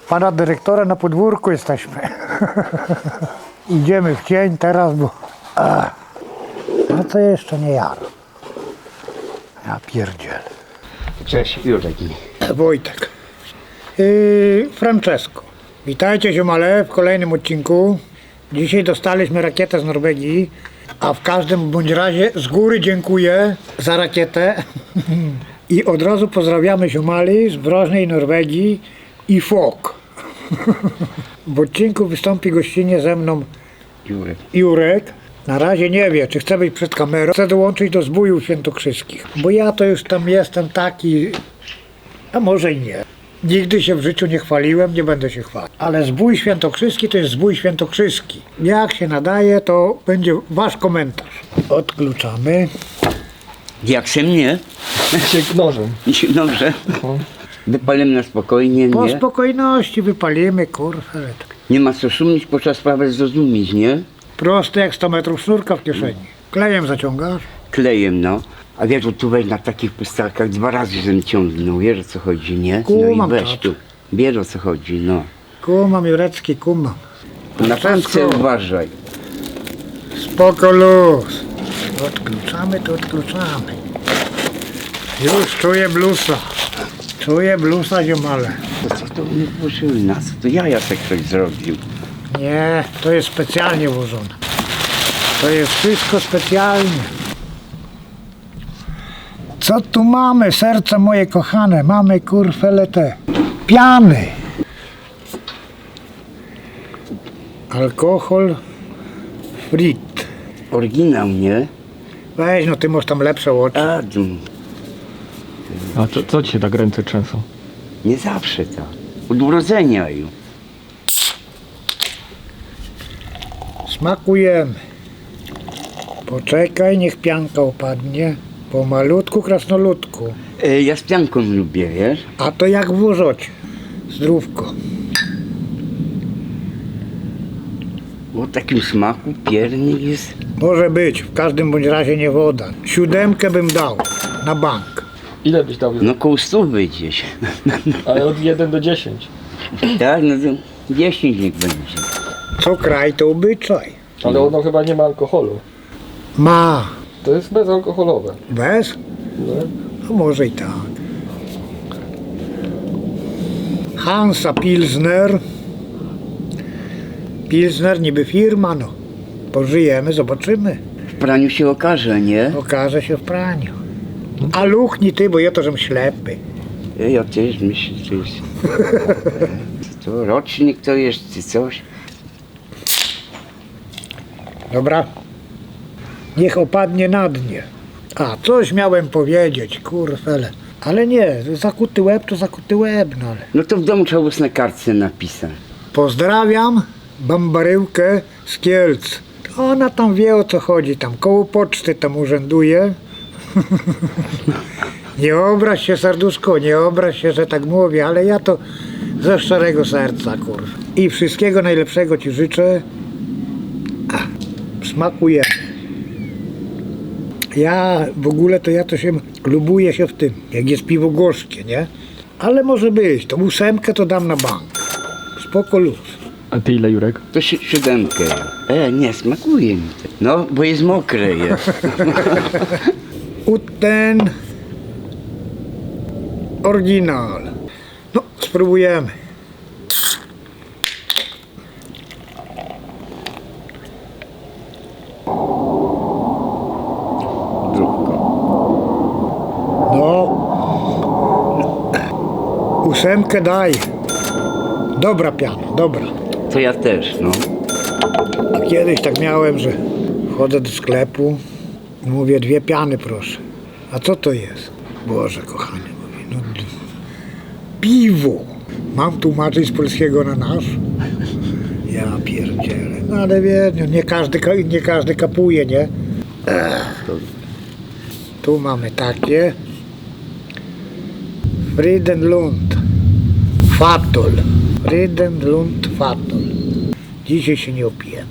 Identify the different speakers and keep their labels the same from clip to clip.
Speaker 1: pana dyrektora na podwórku jesteśmy. Idziemy w cień teraz, bo... No to jeszcze nie jaro. Ja pierdzielę.
Speaker 2: Cześć, Jurek.
Speaker 1: Wojtek. Francesco. Witajcie ziomale w kolejnym odcinku. Dzisiaj dostaliśmy rakietę z Norwegii, a w każdym bądź razie z góry dziękuję za rakietę. I od razu pozdrawiamy ziomali z wrożnej Norwegii i FOK. W odcinku wystąpi gościnnie ze mną Jurek. Na razie nie wie, czy chce być przed kamerą. Chcę dołączyć do zbójów świętokrzyskich, bo ja to już tam jestem taki, a może i nie. Nigdy się w życiu nie chwaliłem, nie będę się chwalił. Ale zbój świętokrzyski to jest zbój świętokrzyski. Jak się nadaje, to będzie wasz komentarz. Odkluczamy.
Speaker 2: Jak się mnie?
Speaker 3: Nożem.
Speaker 2: Dobrze. Wypalimy na spokojnie,
Speaker 1: Po
Speaker 2: nie?
Speaker 1: spokojności wypalimy, kurwa.
Speaker 2: Nie ma co szumić, bo trzeba sprawę zrozumieć, nie?
Speaker 1: Proste jak 100 metrów sznurka w kieszeni. Klejem zaciągasz.
Speaker 2: Klejem, no. A wiesz, że tu weź na takich pustelkach 2 razy żem ciągnął, wiesz o co chodzi, nie? No
Speaker 1: Kumam,
Speaker 2: i weź
Speaker 1: tak.
Speaker 2: tu. Wiesz o co chodzi, no.
Speaker 1: Kumam, Jurecki, kumam.
Speaker 2: Na pętce uważaj.
Speaker 1: Spoko luz. Odkluczamy, to odkluczamy. Już czuję blusa. Czuję blusa, ziomale.
Speaker 2: To co to mnie włożyły nas? To Jacek ktoś zrobił.
Speaker 1: Nie, to jest specjalnie włożone. To jest wszystko specjalnie. Co tu mamy, serce moje kochane? Mamy kurfele te piany. Alkohol frit.
Speaker 2: Oryginał, nie?
Speaker 1: Weź, no ty masz tam lepsze oczy.
Speaker 3: A co ci się tak ręce trzęsą?
Speaker 2: Nie zawsze tak. Od urodzenia już.
Speaker 1: Smakujemy. Poczekaj, niech pianka opadnie. Pomalutku, krasnoludku.
Speaker 2: Ja z pianką lubię, wiesz?
Speaker 1: A to jak w łożocie. Zdrówko.
Speaker 2: O takim smaku piernik jest.
Speaker 1: Może być, w każdym bądź razie nie woda. 7 bym dał na bank.
Speaker 3: Ile byś dał?
Speaker 2: No koło 100 gdzieś.
Speaker 3: Ale od 1 do 10.
Speaker 2: Tak, no to 10 niech będzie.
Speaker 1: Co kraj, to obyczaj.
Speaker 3: Ale ono chyba nie ma alkoholu.
Speaker 1: Ma.
Speaker 3: To jest bezalkoholowe.
Speaker 1: Bez?
Speaker 3: No.
Speaker 1: No może i tak. Hansa Pilsner. Pilsner niby firma, no. Pożyjemy, zobaczymy.
Speaker 2: W praniu się okaże, nie?
Speaker 1: Okaże się w praniu. A luchni ty, bo ja to żem ślepy.
Speaker 2: Ja też myślę, że to jest... To rocznik to jest, czy coś?
Speaker 1: Dobra. Niech opadnie na dnie. A, coś miałem powiedzieć, kurfele. Ale nie, zakuty łeb to zakuty łeb, no ale.
Speaker 2: No to w domu trzeba było na kartce napisać.
Speaker 1: Pozdrawiam Bambaryłkę z Kielc. Ona tam wie o co chodzi, tam koło poczty tam urzęduje. Nie obraź się, serduszko, nie obraź się, że tak mówię, ale ja to ze szczerego serca, kurwa. I wszystkiego najlepszego ci życzę. Smakuje. Ja w ogóle to się lubuję się w tym, jak jest piwo gorzkie, nie? Ale może być, to 8 to dam na bank. Spoko luz.
Speaker 3: A ty ile, Jurek?
Speaker 2: To 7. Nie, smakuje mi to. No, bo jest mokre jest.
Speaker 1: Uten oryginal. No, spróbujemy.
Speaker 2: Drówko.
Speaker 1: No, 8 daj. Dobra piana, dobra.
Speaker 2: To ja też, no.
Speaker 1: A kiedyś tak miałem, że wchodzę do sklepu i mówię 2 piany proszę. A co to jest? Boże kochany, mówię, no piwo. Mam tłumaczyć z polskiego na nasz? Ja pierdzielę. No ale wie, no nie każdy kapuje, nie? Tu mamy takie. Friedenlund Fatol. Friedenlund Fatol. Dzisiaj się nie opijemy.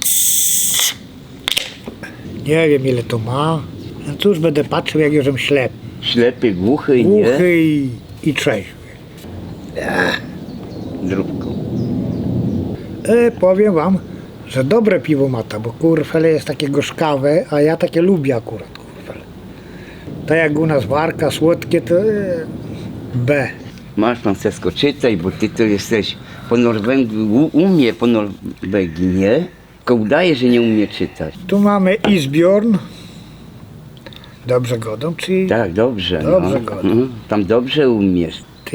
Speaker 1: Nie wiem ile to ma. No cóż, będę patrzył jak już ślepy.
Speaker 2: Ślepy, głuchy, nie?
Speaker 1: Głuchy i trzeźwy.
Speaker 2: Zdrówko.
Speaker 1: Powiem wam, że dobre piwo ma ta, bo kurfele jest takie gorzkawe, a ja takie lubię akurat kurfele. Tak jak u nas warka, słodkie to B.
Speaker 2: Masz pan Sesko, czytaj, bo ty to jesteś po Norwegii, umie po Norwegii, nie? Tylko udaje, że nie umie czytać.
Speaker 1: Tu mamy Isbjorn. Dobrze godą, czyli
Speaker 2: Tak, dobrze.
Speaker 1: Dobrze,
Speaker 2: no.
Speaker 1: godo.
Speaker 2: Tam dobrze umiesz.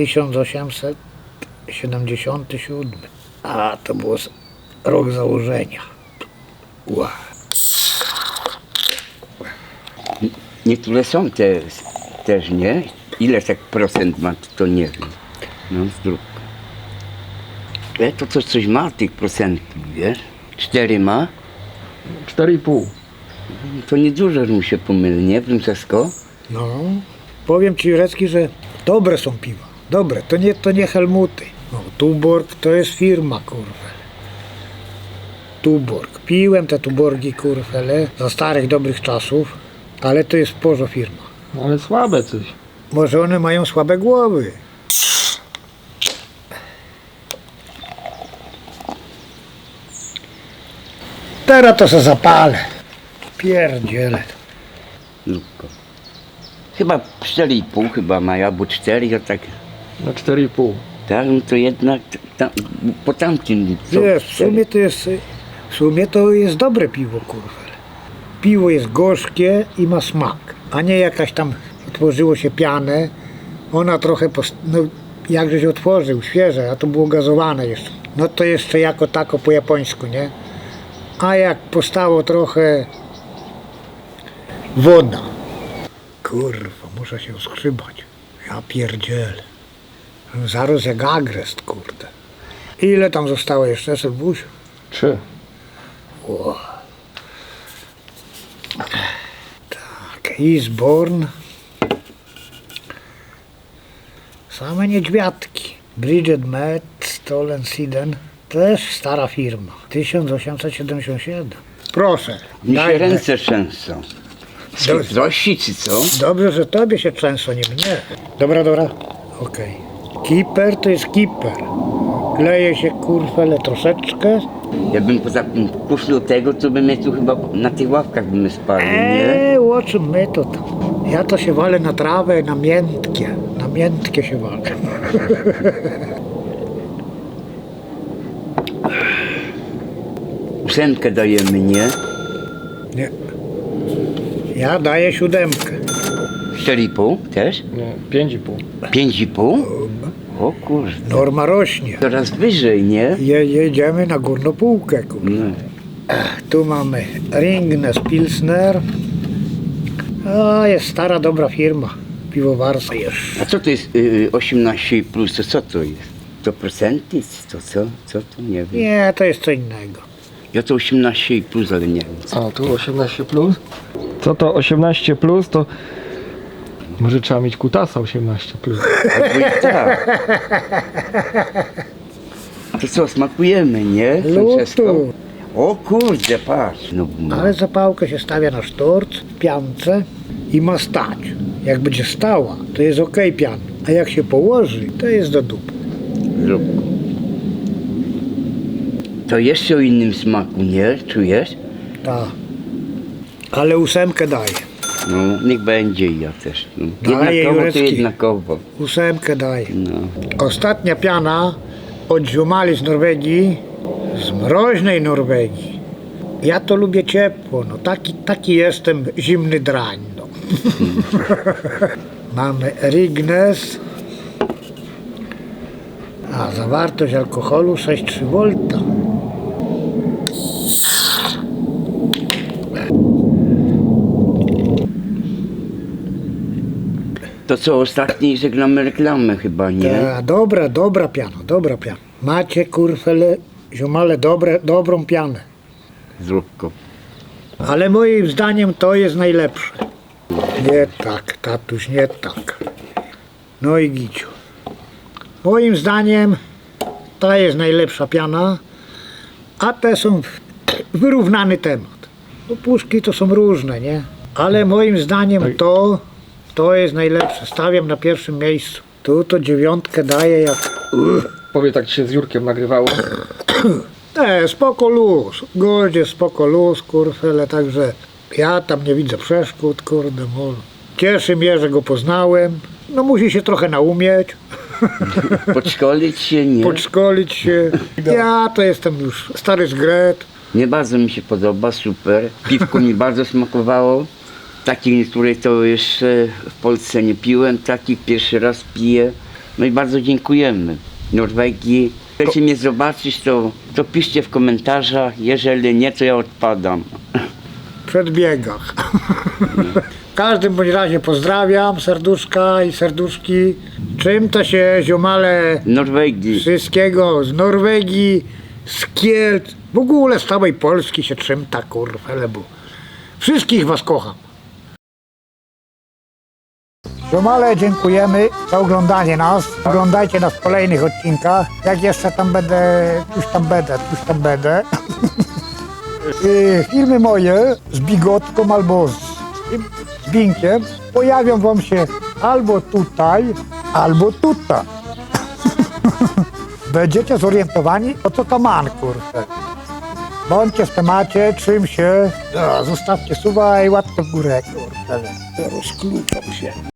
Speaker 1: 1877. A, to był rok założenia. Wow.
Speaker 2: Niektóre są też, nie? Ile tak procent ma, to nie wiem. No, zdrówko. To coś ma tych procentów, wiesz? 4 ma?
Speaker 3: 4,5.
Speaker 2: To niedużo mu się pomyli, nie, Princesko?
Speaker 1: No, powiem ci Jurecki, że dobre są piwa. Dobre, to nie Helmuty. No, Tuborg to jest firma, kurwa. Tuborg. Piłem te Tuborgi, kurfele, za starych, dobrych czasów, ale to jest porzo firma.
Speaker 3: No, ale słabe coś.
Speaker 1: Może one mają słabe głowy. Teraz to se zapalę. Pierdziele.
Speaker 2: Zdrówko. Chyba 4,5 chyba ma, albo 4, to tak.
Speaker 3: Na 4,5.
Speaker 2: Tak, no to jednak po tamtym. co,
Speaker 1: Wiesz, w
Speaker 2: 4?
Speaker 1: sumie to jest dobre piwo, kurwa. Piwo jest gorzkie i ma smak, a nie jakaś tam otworzyło się pianę. Ona trochę, no jakże się otworzył, świeże, a to było gazowane jeszcze. No to jeszcze jako tako po japońsku, nie? A jak postało trochę woda. Kurwa, muszę się skrzybać. Ja pierdzielę. Zaraz jak agrest, kurde. Ile tam zostało jeszcze, Sylwusiu?
Speaker 3: 3.
Speaker 1: Tak, Isborn. Same niedźwiadki. Bridget Met, Stolen Siden. Też stara firma. 1877. Proszę.
Speaker 2: Mi się
Speaker 1: daj-
Speaker 2: ręce trzęsą. Z
Speaker 1: Dobrze.
Speaker 2: chytrości czy co?
Speaker 1: Dobrze, że tobie się trzęsą, nie mnie. Dobra. Okej. Kiper to jest kiper. Kleje się kurwele troszeczkę.
Speaker 2: Ja bym poza tym puszczał tego, to by mnie tu chyba na tych ławkach by my spali, nie?
Speaker 1: O czym my to tam? Ja to się walę na trawę, na miętkie. Na miętkie się walę.
Speaker 2: Ósemkę dajemy, nie?
Speaker 1: Nie. Ja daję 7.
Speaker 2: 4,5 też?
Speaker 3: Nie, 5,5.
Speaker 2: 5,5? O kurde,
Speaker 1: Norma rośnie.
Speaker 2: coraz wyżej, nie?
Speaker 1: Jedziemy na górną półkę. Kurwa.
Speaker 2: No.
Speaker 1: Tu mamy Ringnes Pilsner. A, jest stara, dobra firma. Piwowarska jest.
Speaker 2: A co to jest 18 plus, to co to jest? To procenty? To co to? Nie wiem.
Speaker 1: Nie, to jest co innego.
Speaker 2: Ja to 18 plus, ale nie wiem.
Speaker 3: A, tu 18+. Plus. Co to 18+, plus, to może trzeba mieć kutasa 18+. Plus.
Speaker 2: Albo i tak. To co, smakujemy, nie? Francesco?
Speaker 1: Lutu.
Speaker 2: O kurde, patrz. No,
Speaker 1: Ale zapałkę się stawia na sztorc, w piance i ma stać. Jak będzie stała, to jest ok pian. A jak się położy, to jest do dupy.
Speaker 2: zrób. To jeszcze o innym smaku, nie? Czujesz?
Speaker 1: Tak. Ale 8 daję.
Speaker 2: No, niech będzie i ja też. No.
Speaker 1: Daję,
Speaker 2: Jednakowo to
Speaker 1: Jurecki.
Speaker 2: jednakowo.
Speaker 1: 8 daję.
Speaker 2: No.
Speaker 1: Ostatnia piana od ziomali z Norwegii, z mroźnej Norwegii. Ja to lubię ciepło, no taki jestem zimny drań. No. Mamy Ringnes. A zawartość alkoholu 6,3 V.
Speaker 2: To co, ostatni żegnamy reklamę chyba, nie?
Speaker 1: Dobra piana. Macie kurfele, ziomale, dobrą pianę.
Speaker 2: Zróbko.
Speaker 1: Ale moim zdaniem to jest najlepsze. Nie tak, tatuś, nie tak. No i Giciu. Moim zdaniem ta jest najlepsza piana, a te są wyrównany temat. No puszki to są różne, nie? Ale moim zdaniem to jest najlepsze. Stawiam na pierwszym miejscu. Tu to 9 daję jak
Speaker 3: Powie, tak ci się z Jurkiem nagrywało.
Speaker 1: Spoko luz, godzie spoko luz, kurfele, także ja tam nie widzę przeszkód, kurde, mol. Cieszy mnie, że go poznałem, no musi się trochę naumieć,
Speaker 2: Podszkolić się, nie?
Speaker 1: podszkolić się. Ja to jestem już stary zgret.
Speaker 2: Nie bardzo mi się podoba, super. Piwko mi bardzo smakowało. Takich, której to jeszcze w Polsce nie piłem, takich pierwszy raz piję. No i bardzo dziękujemy Norwegii. Chcecie mnie zobaczyć, to piszcie w komentarzach, jeżeli nie, to ja odpadam.
Speaker 1: Przed biegach. W każdym bądź razie pozdrawiam, serduszka i serduszki. Czym to się ziomale
Speaker 2: Norwegii.
Speaker 1: wszystkiego z Norwegii, z Kielc, w ogóle z całej Polski się trzymta, kurwa, bo wszystkich was kocham. Ziomale, dziękujemy za oglądanie nas. Oglądajcie nas w kolejnych odcinkach. Jak jeszcze tam będę, już tam będę. Filmy moje z Bigotką albo z Binkiem pojawią wam się albo tutaj, albo tutaj. Będziecie zorientowani, o co to man, kurczę. Bądźcie w temacie, czym się. Zostawcie suba i łapkę w górę, kurczę. Rozkluczam się.